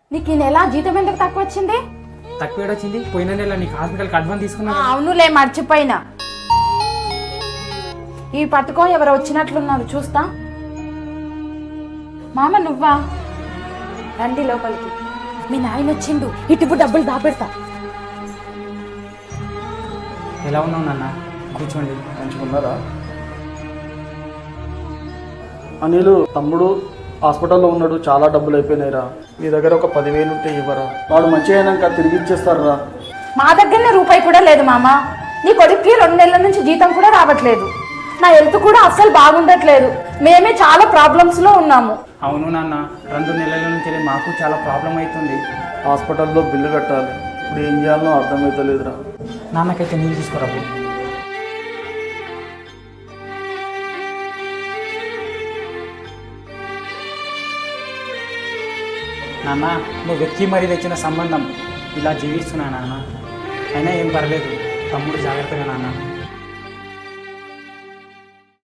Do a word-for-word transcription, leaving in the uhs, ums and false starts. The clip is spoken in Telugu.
నీకు ఈ నెల జీతం ఎందుకు తక్కువ వచ్చింది? తక్కువ వచ్చింది పోయిన నెల నీకు హాస్పిటల్కి అడ్వాన్స్ తీసుకున్నా. అవునులే మర్చిపోయినా. ఈ పట్టుకో, ఎవరు వచ్చినట్లున్నారు చూస్తా. మామ నువ్వా? రండి లోపలికి. మీ నాయన వచ్చిండు, ఇటు డబ్బులు దాపెడతా. ఎలా ఉన్నావు నాన్న? కూర్చోండి. మంచిగున్నారా? అనిలు తమ్ముడు హాస్పిటల్లో ఉన్నాడు, చాలా డబ్బులు అయిపోయినాయిరా. మీ దగ్గర ఒక పదివేలు ఉంటే ఇవ్వరా? వాడు మంచి అయినాక తిరిగి ఇచ్చేస్తారా? మా దగ్గరనే రూపాయి కూడా లేదు మామ. నీ కొడుక్కి రెండు నెలల నుంచి జీతం కూడా రావట్లేదు. నా హెల్త్ కూడా అస్సలు బాగుండట్లేదు. మేమే చాలా ప్రాబ్లమ్స్ లో ఉన్నాము. అవును నాన్న, రెండు నెలల నుంచి మాకు చాలా ప్రాబ్లం అవుతుంది. హాస్పిటల్లో బిల్లు కట్టాలి, ఇప్పుడు ఏం చేయాలో అర్థమవుతలేదురా. నాన్నకైతే నీళ్ళు తీసుకురాబు. నాన్న, నువ్వు వెతికి మరీ తెచ్చిన సంబంధం ఇలా జీవిస్తున్నా నాన్న. అయినా ఏం పర్లేదు, తమ్ముడు జాగ్రత్తగా నాన్న.